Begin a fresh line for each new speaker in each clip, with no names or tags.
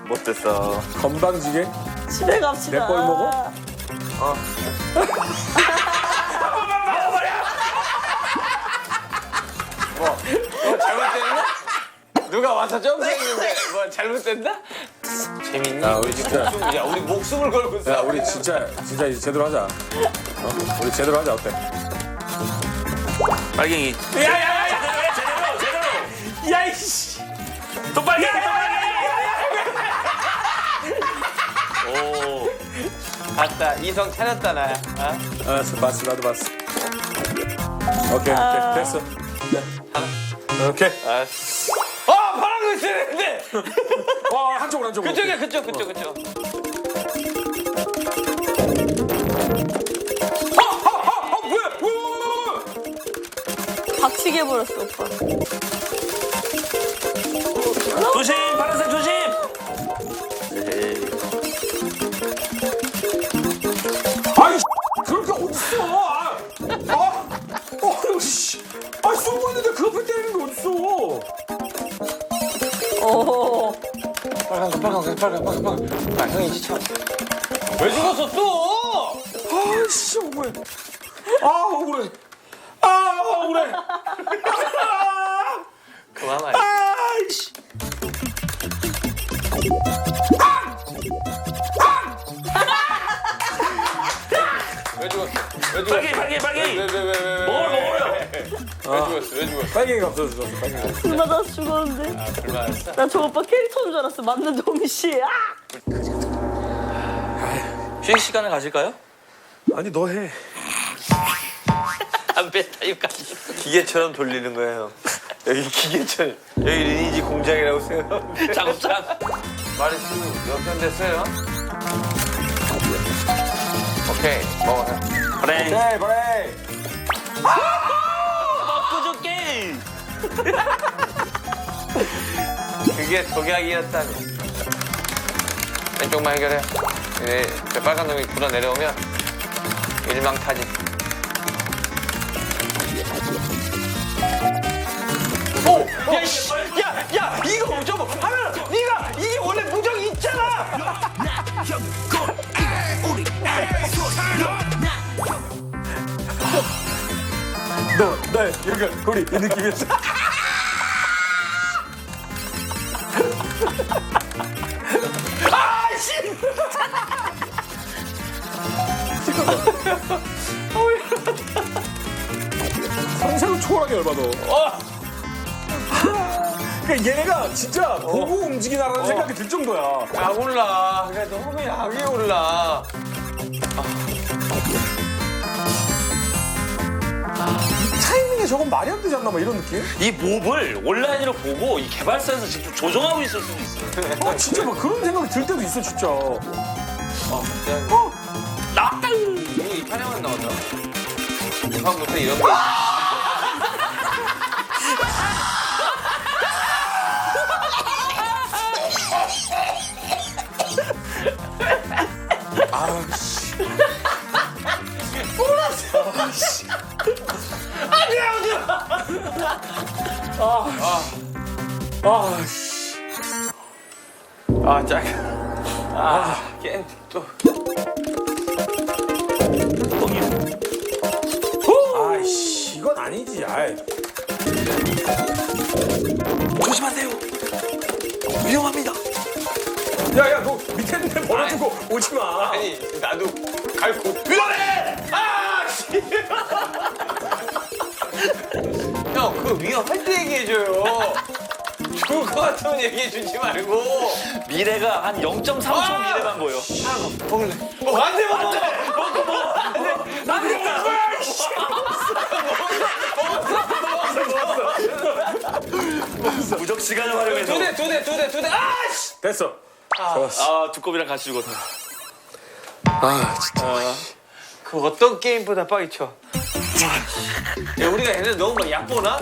못됐어.
건방지게?
집에 갑시다.
내 꼴 먹어?
뭐 잘못됐나? 누가 와서 점프했는데 뭐 잘못됐나? 재밌니?
야, 우리 진짜.
야, 우리 목숨을 걸고
야,
싸우고
우리 진짜 이제 제대로 하자. 우리 제대로 하자, 어때?
빨갱이.
야야야야! 제대로! 야, 이씨!
또 빨갱이. 오.
봤다. 이성 찾았다 나야. 어?
알았어, 봤어, 나도 봤어. 오케이, 됐어. 오케이.
알았어. 파란 거 있었는데.
한쪽으로.
그쪽.
뭐야?
박치게 해버렸어, 오빠.
조심, 파란색 조심.
아이, 그렇게 어딨어? 씨. 쏘고 있는데 그 앞에 때리는 게 어딨어?
오.
빨간 거. 아, 형이 지쳐. 왜 죽었어 또?
아이씨, 억울해. 억울해. 억울해.
그만 말.
아이씨.
왜 죽었어?
빨갱이.
왜?
먹어요.
왜 죽었어?
빨갱이가 없어졌어. 빨갱이가.
불 맞아서 죽었는데.
아, 불만했어?
나 저 오빠 캐릭터인 줄 알았어. 맞는 동시에.
휴식 시간을 가질까요?
아니, 너 해.
담배 타임까지 기계처럼 돌리는 거예요. 여기 기계처럼. 여기 리니지 공장이라고 생각하면
작업장.
마리수 역전됐어요. 오케이, 먹어요.
브레인.
그래.
먹고 줄게.
그게 독약이었다니. 왼쪽만 해결해. 네, 저 빨간 놈이 굴러 내려오면 일망타진. 야, 이거 저거 하면 네가 이게 원래 무적이 있잖아.
나 여기 이 느낌이었어. 상상을 초월하게 열받아. 그러니까 얘네가 진짜 보고 움직이나라는 생각이 들 정도야.
약 올라. 그래 너무 약이 올라.
타이밍에 저건 말이 안 되지 않나 막 이런 느낌?
이 몹을 온라인으로 보고 이 개발사에서 직접 조종하고 있을 수도 있어요.
진짜 막 그런 생각이 들 때도 있어 진짜.
나왔다.
이거 이 판에만 나왔나? 이판부터 이런 거. 짝. 게임 또.
아이씨 이건 아니지. 아이.
조심하세요. 위험합니다.
야야 너 밑에 있는 데 버려두고 오지 마.
아니 나도 갈고
위험해.
형 그 위험할 때 얘기해줘요. 죽을 것 같으면 얘기해주지 말고.
미래가 한 0.3초 미래만 보여.
먹을래? 안돼 먹어.
무적 시간을 활용해서.
두 대. 아씨.
됐어.
아 두꺼비랑 같이 죽었다.
진짜.
그 어떤 게임보다 빡이 쳐. 야 우리가 얘네 너무 막 얕보나?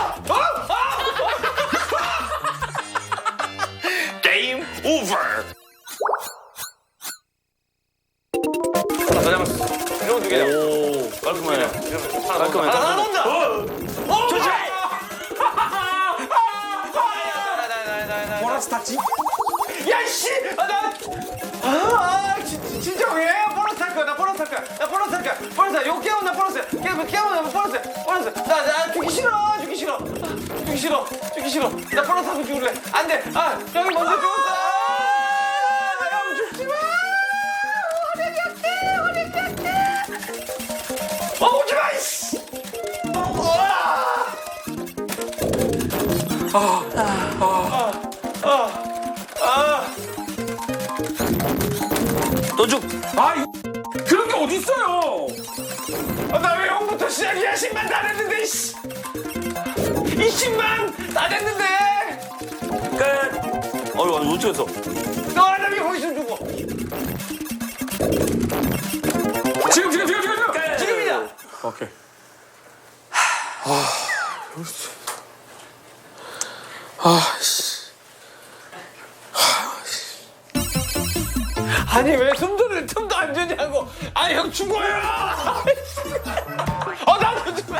게임 오버.
하나 더 잡았어. 이러면 두 개야.
오 깔끔해. 깔끔해.
하나 온다.
조심.
보너스 탔지?
야씨 진짜 왜 보너스 할 거야 나 보너스 할 거야 나 보너스 할 거야 보너스 요 깨우면 나 보너스 깨우면 보너스 나 주기 싫어 나 보너스 하고 죽을래 안돼 형이 먼저 죽었어 형 죽지 마 오지 마 이씨
또 죽.
그런 게 어딨어요?
나 왜 형부터 시작이야 10만 다 됐는데 이씨 20만 다 됐는데
끝. 어떻게 했어?
나 왜 거기서 죽어
지금.
지금이야
오케이.
아니 왜 숨도는 틈도 안 주냐고 아니 형 죽어요 나도 죽어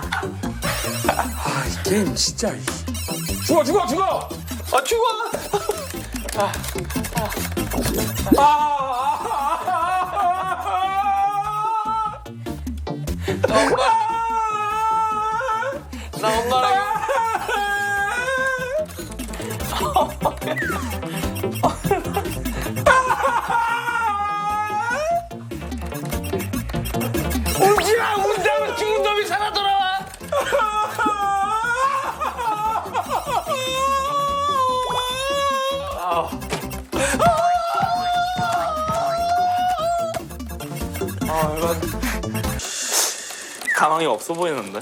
이 게임 진짜. 죽어.
죽어 나 엄마랑 울지마 운다면 죽은 놈이 살아 돌아와
가망이 없어 보이는데.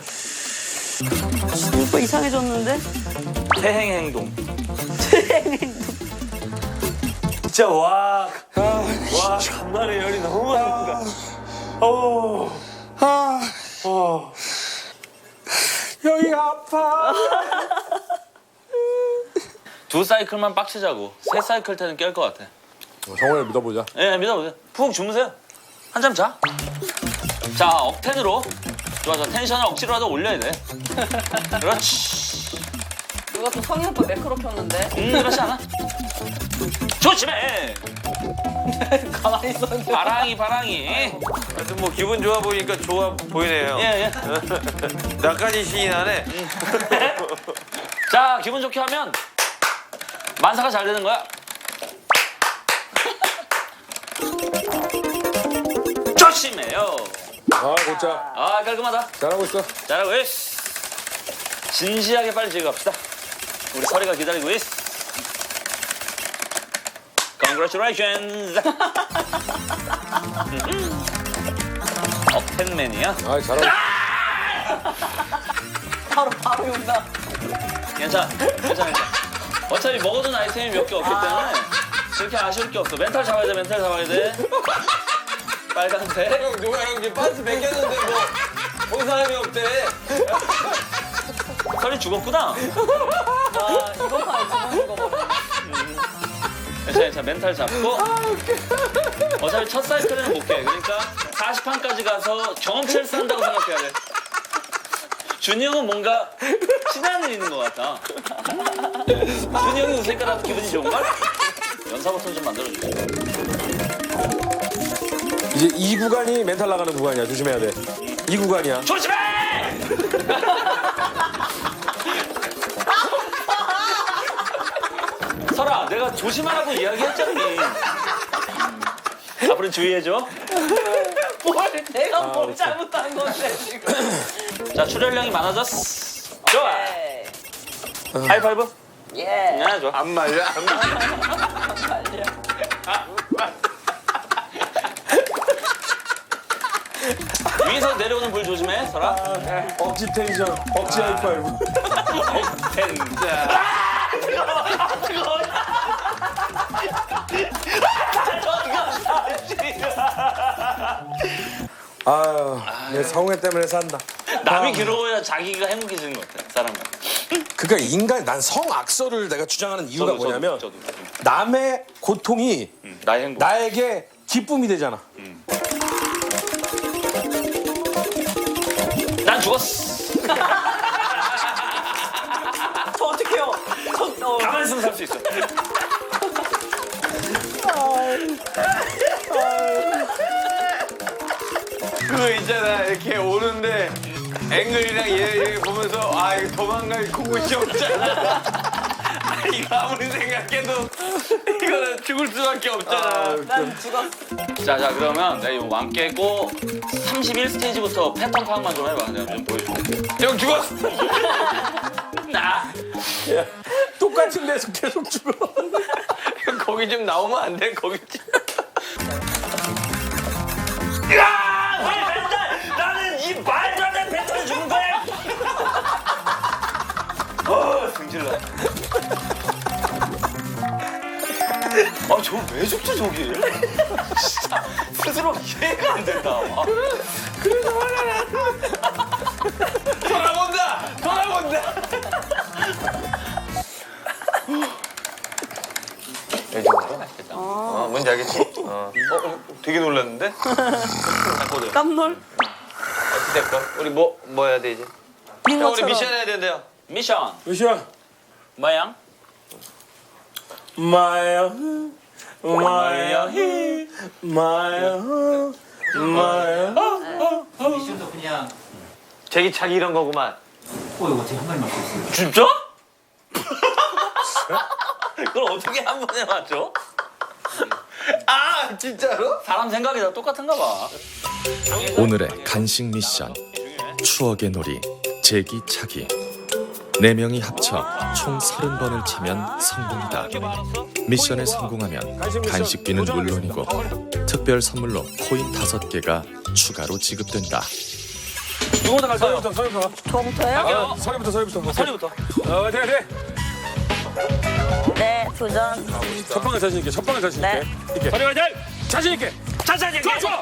오빠 이상해졌는데?
태행 행동.
진짜 와 간만에 열이 너무 많다
여기 아파.
두 사이클만 빡치자고. 세 사이클 때는 깰 것 같아.
성원을 믿어보자.
예, 믿어보세요. 푹 주무세요. 한잠 자. 자, 억텐으로. 좋아. 텐션을 억지로라도 올려야 돼. 그렇지.
누가 또 성희 오빠 매크로 켰는데?
그렇지 않아? 조심해.
가만히 있었는데.
바랑이.
하여튼 뭐 기분 좋아 보이니까 좋아 보이네요
예.
나까지 시인하네
자, 기분 좋게 하면 만사가 잘 되는 거야. 조심해요.
고짜.
깔끔하다.
잘하고 있어.
잘하고 있어. 진지하게 빨리 즐겁시다. 우리 서리가 기다리고 있어. Congratulations. 억텐맨이야.
잘하고.
바로 용다.
괜찮아. 어차피 먹어둔 아이템이 몇 개 없기 때문에 그렇게 아쉬울 게 없어. 멘탈 잡아야 돼. 빨간색.
형 누가 형 이제 반스 벗겼는데 뭐 본 사람이 없대
서리 죽었구나.
와, 이거 봐, 이거 봐.
괜찮아. 멘탈 잡고. 어차피 첫 사이클은 못 깨. 그러니까 40판까지 가서 경험치를 쌓는다고 생각해야 돼. 준이 형은 뭔가 신한일 있는 것 같아. 준이 형이 웃으니까 나도 기분이 좋은걸? 연사 버튼 좀 만들어주세요.
이제 이 구간이 멘탈 나가는 구간이야. 조심해야 돼. 이 구간이야.
조심해! 설아, 내가 조심하라고 이야기했잖니. 앞으로 주의해줘.
내가 뭘 잘못한 건데, 지금.
자, 출혈량이 많아졌어. 좋아.
네.
하이파이브.
예.
좋아.
안 말려
위에서 내려오는 불 조심해, 설아.
억지 텐션. 억지 하이파이브. 내 성애 때문에 산다.
남이 괴로워야 자기가 행복해지는 것 같아, 사람은.
그러니까 난 성악설을 내가 주장하는 이유가 뭐냐면
저도.
남의 고통이
나의 행복.
나에게 기쁨이 되잖아.
난 죽었어.
저 어떡해요?
가만히 있으면 살 수 있어.
그 있잖아 이렇게 오는데 앵글이랑 얘 보면서 아 이거 도망갈 곳이 없잖아. 아, 이거 아무리 생각해도 이거는 죽을 수밖에 없잖아.
난 죽었어.
자 그러면 내가 이거 왕 깨고 31스테이지부터 패턴 파악만 좀 해봐. 내가 좀 보여줄게.
형 죽었어.
나
똑같은 데서 계속 죽어.
형 거기 좀 나오면 안 돼? 거기 좀.
나는 이 말도 안 되는 패턴을 주는 거야. 승질나. 아, 저 왜 죽지, 저기? 진짜 스스로 이해가 안 된다. 아.
그래서 화가 나. 돌아본다. 돌아본다. 뭔지 알겠지? 되게 놀랐는데? 딱
깜놀.
어떻게 할까? 우리 뭐 해야 돼 이제? 형 우리
빙고처럼.
미션 해야 된대요.
미션,
미션.
뭐야?
마야 마야 마야 마야.
미션도 그냥
제기차기 이런 거구만.
이거 제가 한 마리 맞고 있어요.
진짜? 그걸 어떻게 한 번에 맞죠?
아 진짜로?
사람 생각이 다 똑같은가 봐.
오늘의 간식 미션 추억의 놀이 제기차기 4명이 합쳐 총 30번을 차면 성공이다. 미션에 성공하면 간식비는 물론이고 특별 선물로 코인 5개가 추가로 지급된다.
누구부터 갈까요?
서리부터.
저부터요?
서리부터.
서리부터.
돼.
네, 도전.
첫 방에 자신 있게. 첫 방에 자신
네.
있게. 서리 화이팅! 자신 있게.
자자,
좋아. 좋아.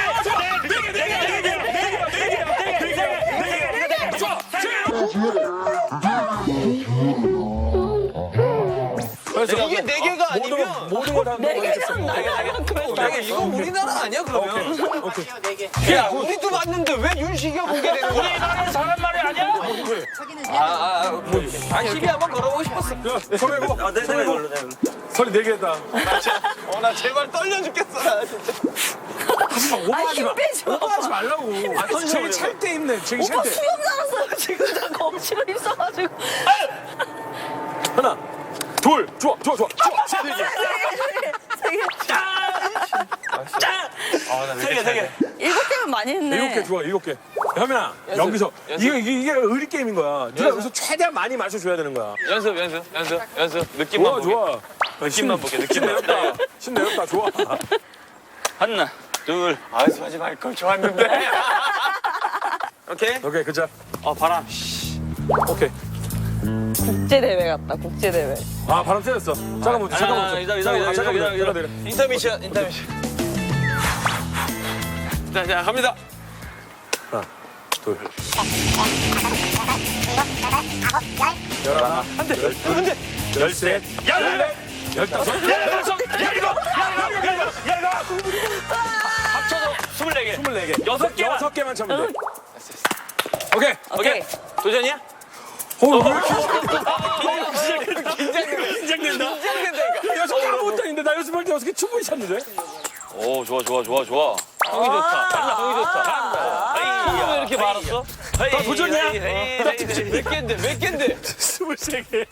이게 4개가 아니면
모든 걸다
네 개는 나야.
이거 우리나라 아니야 그러면? 야 우리도 봤는데 왜 윤식이가 보게 되는 거야?
우리나라 사람 말이 아니야?
시비 한번 걸어보고 싶었어.
서리고.
아, 내가 이걸로 내가.
서리 4개다.
나 제발 떨려 죽겠어 나 진짜.
오버하지 마.
힘 빼지 마.
오버하지 말라고. 저기 찰때 힘내. 저기
오빠
찰 때.
수염 날았어요. 지금 다 검지로 있어가지고.
하나, 둘, 좋아.
세 개.
세 개.
7개면 많이 했네.
7개 좋아. 7개. 현민아, 여기서 이게 의리 게임인 거야. 네가 여기서 최대한 많이 마셔줘야 되는 거야.
연습 느낌만
좋아.
느낌만 볼게,
힘 내었다. 힘 내었다. 좋아.
하나, 둘.
연습하지 말 걸 좋았는데. 오케이.
오케이, 그자.
바람.
오케이.
국제대회 같다, 국제대회.
아, 바람 쐬였어. 잠깐만.
기다려.
인터미션. 자 갑니다.
하나, 둘. 열하나, 열셋, 열넷, 열다섯, 열여섯, 열일곱,
합쳐서 24개.
24개.
6개만.
6개만 차면 돼. 오케이.
도전이야?
왜 이렇게 긴장된다. 여섯 개 아무것도 아닌데 나 연습할 때 6개 충분히 찼는데.
오, 좋아. 형이 좋다. 잘한다. 왜 이렇게 많았어?
다 도전이야?
몇 갠데?
23개.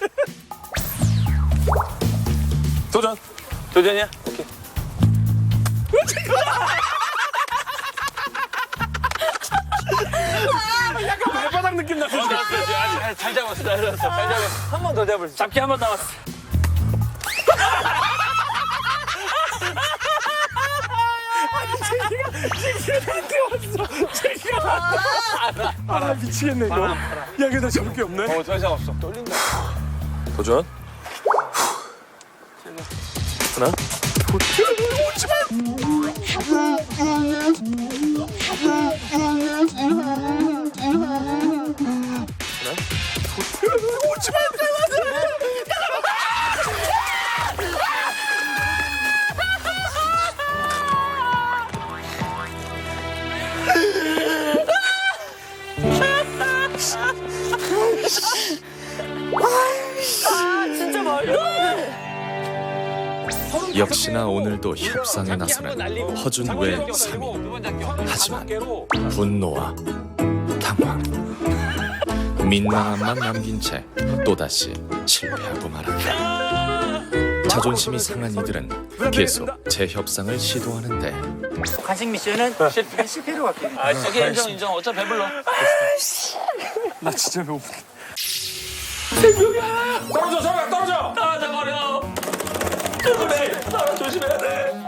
도전.
도전이야?
약간 발바닥 느낌 났어.
잘 잡았어. 한 번 더 잡을 수 있어.
잡기 한 번 남았어.
아, 미치겠네 이거. 야, 이거 나 잡을 게 없네.
더 이상 없어. 떨린다.
도전. 하나. 오지 마. 오지 마.
진짜 말도 안 돼.
역시나 오늘도 협상에 나서는 허준 외 3인. 하지만 분노와 당황, 민망함만 남긴 채 또다시 실패하고 말았다. 자존심이 상한 이들은 계속 재협상을 시도하는데
간식 미션은 실패로 갈게요.
오케이 인정. 어차피 배불러.
나 진짜 배고파. 떨어져 저리가 떨어져.
떨어져버려. 조심해야 돼.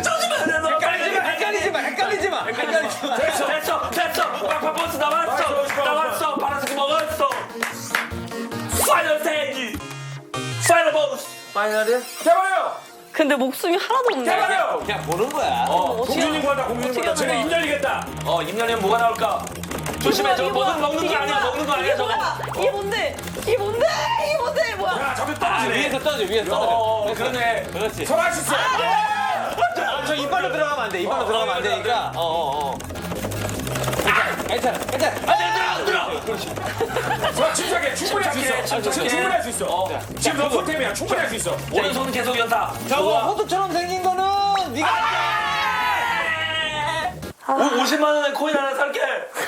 헷갈리지 마.
됐어. 파파버스 나왔어. 파란색 먹었어. 파이널 스테이지. 파이널 버스. 파이널이야?
대박이요.
근데 목숨이 하나도 없네.
대박이요.
그냥 보는 거야.
공주님 구한다 공주님 구한다. 쟤네 입 열리겠다.
입 열리면 뭐가 나올까? 조심해. 저거 먹는 거 아니야. 먹는 거 아니야 저거.
이게 뭔데? 뭐야?
야 저기 떨어지네.
위에서 떨어져.
그러네. 그렇지.
설할 수 있어.
저 이빨로 들어가면 안 돼. 이빨로 들어가면 안 되니까. 괜찮아.
안 들어.
저 침착해. 충분히 할 수 있어. 충분히 할 수 있어. 지금 너 손템이야. 충분히 할 수 있어.
오른손은 계속 연타.
저거 호두처럼 생긴 거는 네가
50만 원에 코인 하나 살게.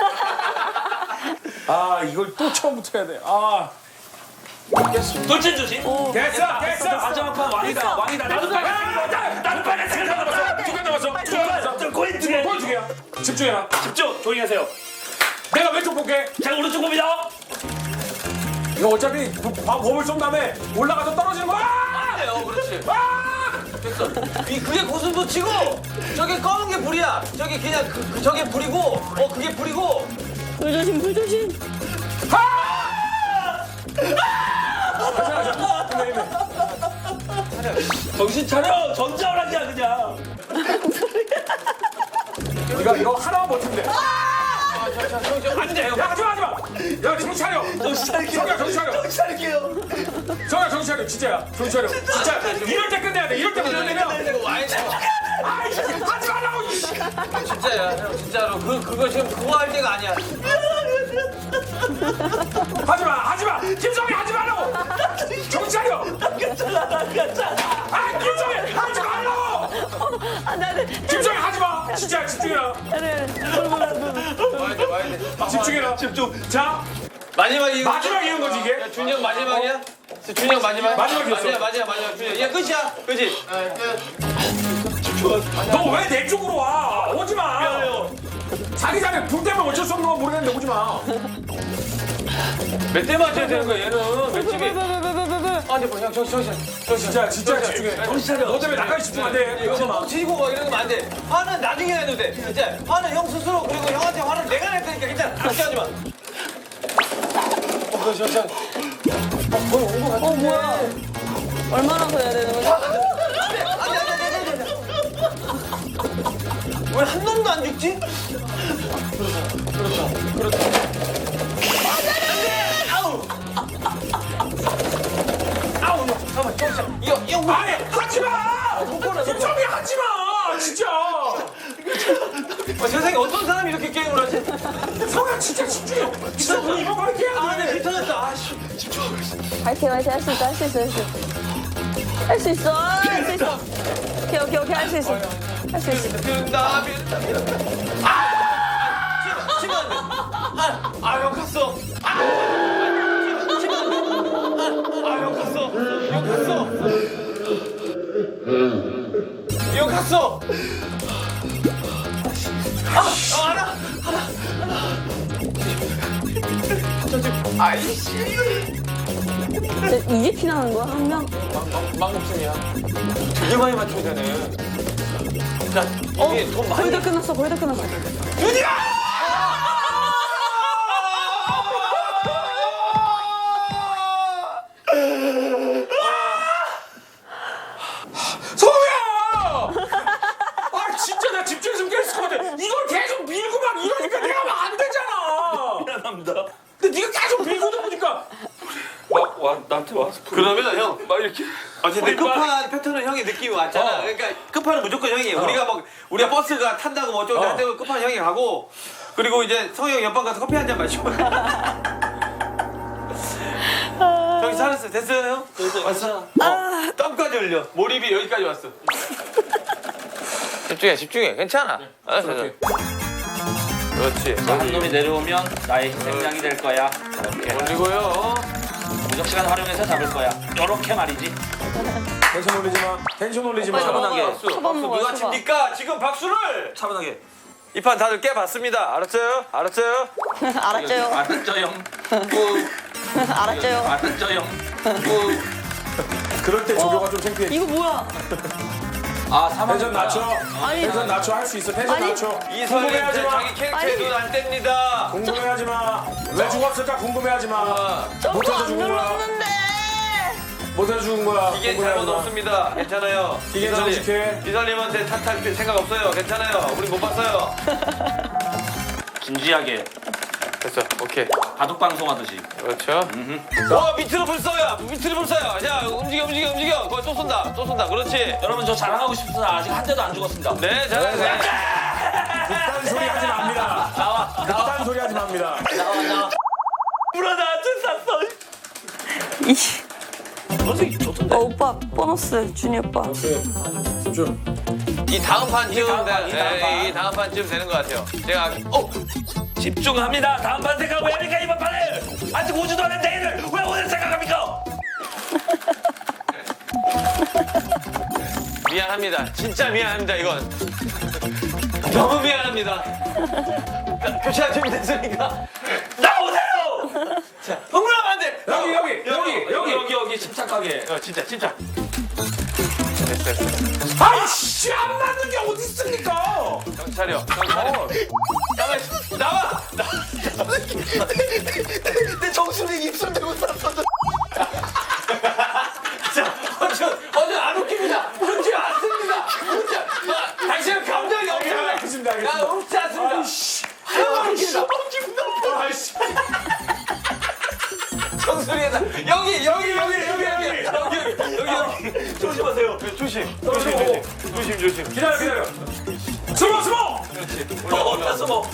아 이걸 또 처음부터 해야 돼. 아
돌진 조심.
됐어.
마지막 판 왕이다. 나도 빨간색 남았어.
두 개 남았어.
저 코인 두 개.
골 두 개야. 집중해라.
집중. 조용히 하세요.
내가 왼쪽 볼게.
자 오른쪽 봅니다.
이거 어차피 범을 쏜 다음에 올라가서 떨어지는 거야.
그렇지.
아!
그게 고슴도 치고 저게 검은 게 불이야. 저게 그냥 저게 불이고 그게 불이고.
불 조심.
정신 차려. 전자오락이야 그냥.
이거 하나만 버티면 돼.
안 돼요.
야 하지마. 야 정신 차려.
정신 차릴게요.
성규야 정신 차려.
정신 차릴게요.
성규야 정신 차려. 진짜야. 정신 차려. 진짜 이럴 때 끝내야 돼. 이럴 때 끝내면. 아이씨 하지 말라고.
진짜야, 형 진짜로 그거 지금 그거 할 때가 아니야.
하지마. 김성희 하지 말라고. 정신 차려.
괜찮아.
아 김성희 하지 말라고.
네.
김성희 하지마. 진짜 집중해라.
와야 돼.
집중해라. 집중. 자
마지막
마지막이는 거지 이게.
준이 형 마지막이야? 준이 형 마지막?
마지막이었어.
마지막 준이 형. 야 끝이야. 그지?
너 왜 내 쪽으로 와? 오지 마. 자기 전에 불 때문에 어쩔 수 없는 건 모르겠는데 오지 마.
몇 대 맞춰야 되는 거야 얘는 몇 집이? 아니 형 정신.
진짜 집중해.
정신 차려.
너 때문에 나까지 집중 안 돼. 이러지 마.
뻥치고 막 이러면 안 돼. 화는 나중에 해도 돼. 진짜 화는 형 스스로 그리고 형한테 화를 내가 낼 테니까 괜찮아. 걱정하지 마.
뭐야? 얼마나 더 해야 되는 거지?
왜 한 놈도 안 죽지? 형
아니 하지 마. 김성희 하지 마. 진짜.
세상에 어떤 사람이 이렇게 게임을 하지?
성희야 진짜 집중해. 진짜 너 이거 말게 해야
아,
돼.
내 비터졌다. 아씨.
화이팅 할 수 있어. 오케이 할 수 있어.
나 치면 안 돼. 형 갔어. 형 갔어. 하나.
이제 피나는 거야 한 명?
막목숨이야. 되게 많이 맞춰야 되네. 자, 이게 돈 많이.
거의 다 끝났어.
성희야. 아 진짜 나 집중했으면 깼을 것 같아. 이걸 계속 밀고 막 이러니까 내가 하면 안 되잖아.
미안합니다.
근데 네가 계속 밀고도 보니까.
나한테 와서
그러면 형.
막 이렇게.
근데 끝판 패턴은 형이 느낌이 왔잖아. 그러니까 끝판은 무조건 형이. 우리가 버스가 탄다고 뭐 어쩌고 할 때는 끝판 형이 가고. 그리고 이제 성희 형 옆방 가서 커피 한 잔 마시고. 저기 잘했어. 됐어요, 형?
왔어.
땀까지 흘려. 몰입이 여기까지 왔어. 집중해. 괜찮아. 알았어. 그렇지.
한 놈이 내려오면 나의 희생양이 될 거야. 이렇게
올리고요.
무적 시간 활용해서 잡을 거야. 요렇게 말이지.
텐션 올리지 마.
차분하게.
초밥 먹어요,
누가
초밥.
칩니까? 지금 박수를!
차분하게.
이 판 다들 깨봤습니다. 알았어요?
알았죠요?
알았죠 형.
알았죠요?
알았죠 형.
그럴 때 조교가 좀 창피해.
이거 뭐야?
아 사망.
텐션 낮춰.
아니,
텐션 낮춰. 할 수 있어. 텐션
아니.
낮춰.
이설님
궁금해하지 마.
자기 캐릭터에
아니.
눈 안 뗍니다.
궁금해하지 마. 왜 죽었을까 궁금해하지 마.
점프
못해서
안
죽은 거야.
눌렀는데.
못해서 죽은 거야.
이게
궁금해하지
잘못
마.
없습니다. 괜찮아요.
이게 정직해.
이설님한테 탓할 생각 없어요. 괜찮아요. 우리 못 봤어요.
진지하게
됐어. 오케이.
바둑 방송하듯이.
그렇죠. 밑으로 불써요. 밑으로 불써요. 자, 움직여. 거기 또 쏜다. 그렇지.
여러분 저 자랑하고 싶습니다. 아직 한 대도 안 죽었습니다.
네, 잘하세요.
그딴 소리 하지 맙니다.
나와.
그딴 소리 하지 맙니다.
물어 나한테 쐈어. 어떻게 좋던데?
오빠 보너스 준이 오빠.
집중.
이 다음 판쯤
이 다음 판.
이 다음 판쯤 되는 것 같아요. 제가
집중합니다. 다음 판 생각 왜 합니까 이번 판을? 아직 오지도 않은 내일을 왜 오늘 생각합니까?
미안합니다. 진짜 미안합니다. 이건 너무 미안합니다. 교체가 준비됐으니까
나오세요.
자, 흥분하면 안 돼.
여기 침착하게.
진짜.
아이씨 안 맞는 게 어디 있습니까?
정신 차려. 나와. 내 정수리 입술 대고 쌌어. 자, 어제 안 웃깁니다. 웃지 않습니다. 당신은 감정이 없잖아요.
알겠습니다.
나 웃지 않습니다.
아이씨. 아이씨.
정수리에다 여기.
조심하세요.
조심.
기다려. 숨어.
어디서 뭐?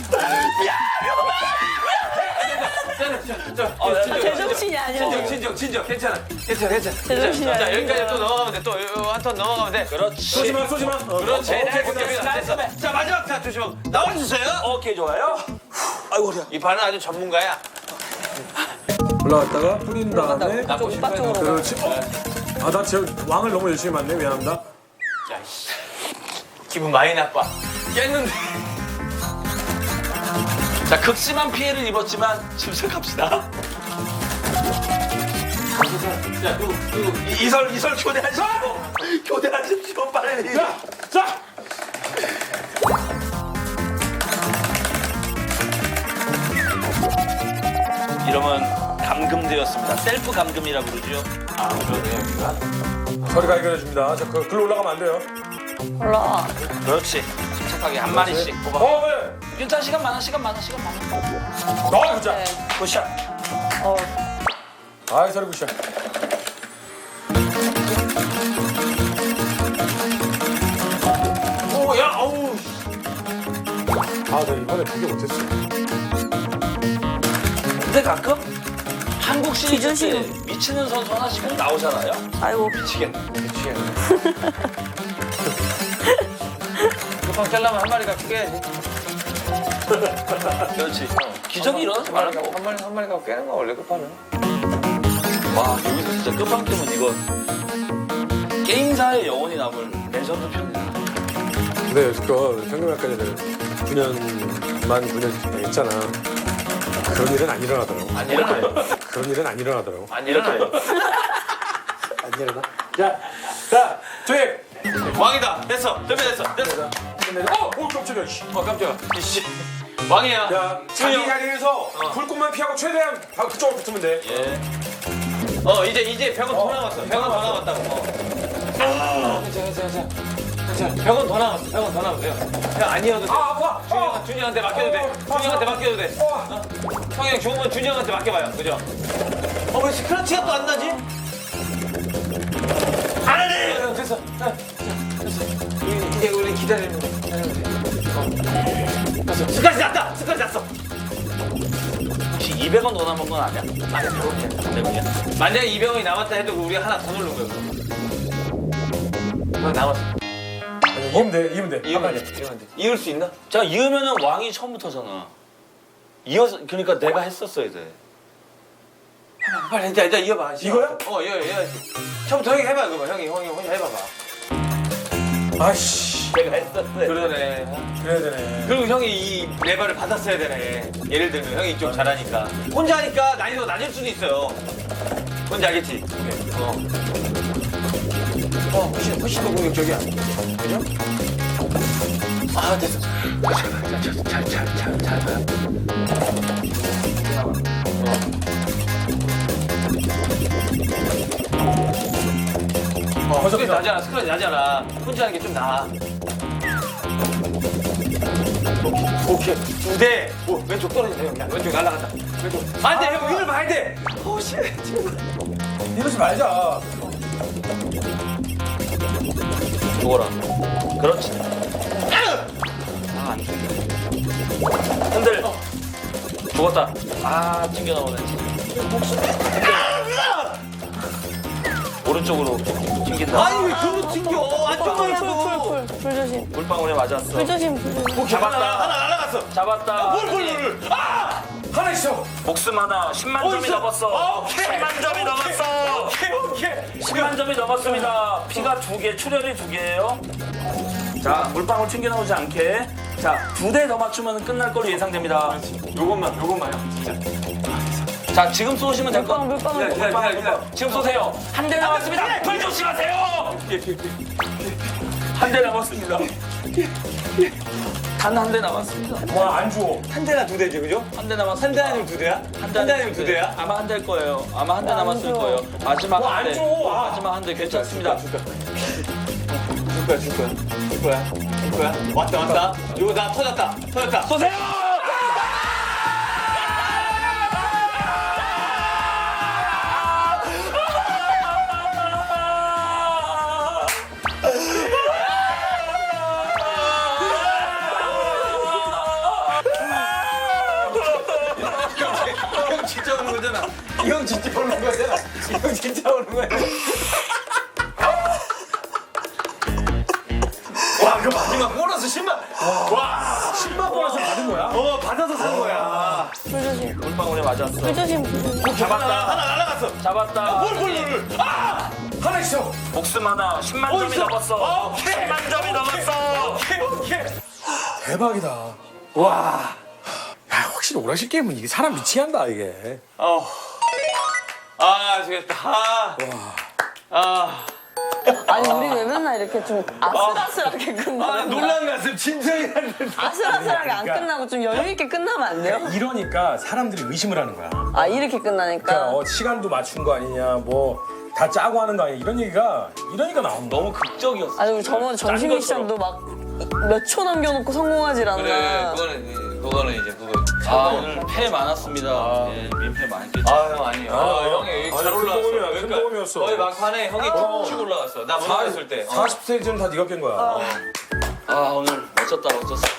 제정신이 아니야.
진정. 괜찮아.
제정신이
자,
아니야.
여기까지 또 넘어가면 돼. 또 한 턴 넘어가면 돼.
그렇지.
쏘지 마.
그렇지.
오케이,
됐어. 자, 마지막 타 조심. 나와주세요.
오케이 좋아요. 아이고 허리야.
이 판은 아주 전문가야.
올라갔다가 뿌린 다음에.
오빠 쪽으로.
그렇지. 나 지금 왕을 너무 열심히 맞네. 미안합니다.
기분 많이 나빠. 깼는데.
자 극심한 피해를 입었지만 침착합시다. 자, 이설 교대하십시오 빨리.
자.
이러면 감금되었습니다. 셀프 감금이라 부르죠. 아 그러네요.
저리가 해결해줍니다. 자, 글로 올라가면 안 돼요.
올라와.
그렇지. 침착하게 한 마리씩 뽑아.
왜?
괜찮아 시간 많아.
그자.
네.
굿샷.
아이, 서리 굿샷.
어우.
나 이번에 되게 못했어.
근데 가끔 한국 시리즈 때
기준식은-
미치는 선수 하나씩 꼭 나오잖아요.
아이고.
급하게 깨려면 한 마리가 깨야지.
그렇지. 기적이 일어나지 말라고.
한 마리 갖고 깨는 거 원래 급하면.
와 여기서 진짜 끝판왕이면 이거 게임사의 영원히 남을 레전드 편이다.
근데 여지껏 현금학과 전에 9년 했잖아. 그런 일은 안 일어나더라고.
안 일어나요.
그런 일은 안 일어나더라고.
안 일어나요.
안 일어나? 자, 조입.
왕이다. 됐어. 준비됐어.
깜짝이야. 씨.
깜짝이야. 이씨. 왕이야.
야, 자기 자리에서 불꽃만 피하고 최대한 그쪽으로 붙으면 돼.
이제 벽은 더 남았어. 벽은 더 남았다고. 괜찮아. 벽은 더 남았어. 형 아니어도 돼.
아파.
준이한테 맡겨도 돼. 준이한테 맡겨도 돼. 형이 죽으면 준이 형한테 맡겨봐요. 그죠? 왜 스크래치가 또 안 나지? 안 하네! 됐어. 이제 우리 기다리면 돼. 됐어. 스크래치 났다!
혹시 200원 더 남은 건 아니야?
아니 100원이야.
100원이야?
만약에 200원이 남았다 해도 우리가 하나 더 누른 거야. 그럼 남았어.
이으면 돼, 이으면 돼.
이으면 돼. 이을 수 있나?
자, 이으면은 왕이 처음부터잖아. 이어서, 그러니까 내가 했었어야 돼.
빨리 이제 이어봐.
이거야?
이어야지. 처음부터 형이 해봐 그거. 형이 혼자 해봐봐.
아이씨,
내가 했었어. 그러네.
그래야 되네.
그리고 형이 이 레버를 받았어야 되네. 예를 들면 형이 좀 잘하니까. 혼자 하니까 난이도가 낮을 수도 있어요. 뭔지 알겠지? 훨씬 더 공격적이야. 그죠? 아, 됐어. 잘 봐. 스크린 나잖아, 스크린 나잖아. 혼자 하는 게 좀 나아. 오케이. 2대. 오, 왼쪽 떨어진다, 형. 야, 왼쪽 날아간다. 왼쪽. 안 돼, 형. 위를 봐야 돼. 오, 씨.
이러지 말자.
죽어라. 그렇지. 아, 안 죽어. 흔들. 죽었다. 아, 튕겨 나오네. 오른쪽으로 튕긴다.
아니, 왜 글로 튕겨? 안쪽만 하고.
불 조심.
물방울에 맞았어.
불 조심, 불 조심.
잡았다.
하나 날아갔어.
잡았다.
뭘. 아!
하나 있어.
목숨 하나 10만 점이
있어.
넘었어.
오케이.
10만 점이 넘었어.
오케이.
10만 점이 넘었습니다. 피가 2개, 출혈이 2개예요. 자, 물방울 튕겨 나오지 않게. 자, 2대 더 맞추면 끝날 걸로 예상됩니다.
요것만요, 진짜.
자, 지금 쏘시면 될 것.
물방울.
기다려.
지금 쏘세요. 한 대 남았습니다. 불 조심하세요. 한 대 남았습니다. 단 한 대 남았습니다.
와, 안 줘.
한 대나 2대지, 그죠?
한 대 남았습니다.
한 대 아니면 2대야? 한 대 아니면 2대야?
아마 한 대일 거예요. 아마 한 대
안
남았을
줘.
거예요. 마지막
와,
한 대.
안 줘. 아.
마지막 한 대 괜찮습니다.
줄 거야. 왔다. 이거 나 터졌다.
쏘세요.
형 진짜 오는 거잖아. 이 형 진짜 오는 거잖아. 이 형 진짜 오는 거야. 와, 그 마지막 보너스 10만. 와,
10만 보너스 받은 거야?
받아서 산 거야.
불 조심.
물방울에 맞았어.
불 조심, 불 조심.
잡았다. 하나 날아갔어.
잡았다.
뭘. 아!
하나 있어.
목숨 하나 10만 점이
있어.
넘었어.
오케이.
10만 점이 넘었어.
오케이.
대박이다.
와.
야, 확실히 오락실 게임은 이게 사람 미치게 한다, 이게.
아, 되겠다.
아니, 우리 왜 맨날 이렇게 좀 아슬아슬하게 끝나?
놀란 가슴 진정이 안 돼.
아슬아슬하게 안 끝나고 좀 여유있게 끝나면 안 돼요?
이러니까 사람들이 의심을 하는 거야.
아, 이렇게 끝나니까?
그러니까 시간도 맞춘 거 아니냐, 뭐 다 짜고 하는 거 아니냐, 이런 얘기가 이러니까 나온다.
너무 극적이었어.
아니, 우리 저번에 점심
짠
미션도 막 몇 초 남겨놓고 성공하질 않나.
그거는 이제 그거.
아, 오늘 패 많았습니다. 예, 민패 많이 깼죠.
형 아니에요. 형이 잘 올라왔어.
큰 도움이었어.
거의 막판에 형이 쭉 올라갔어. 나 무너졌을 때.
40스테이지는 다 네가 깬 거야.
아, 오늘 멋졌다.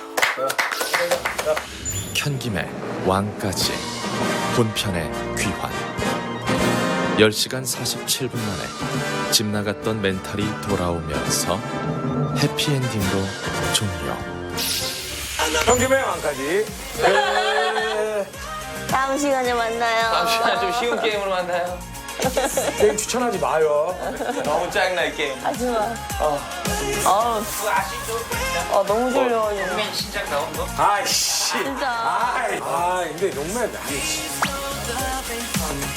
현김의 왕까지 본편의 귀환 10시간 47분 만에 집 나갔던 멘탈이 돌아오면서 해피엔딩으로 종료.
현김의 왕까지.
다음 시간에 만나요.
다음 시간에 좀 쉬운 게임으로 만나요.
게임 추천하지 마요.
너무 짜증나 이 게임.
하지 마. 너무 졸려가지고.
신작 나온 거?
아이씨.
진짜.
근데 용맨, 아이씨.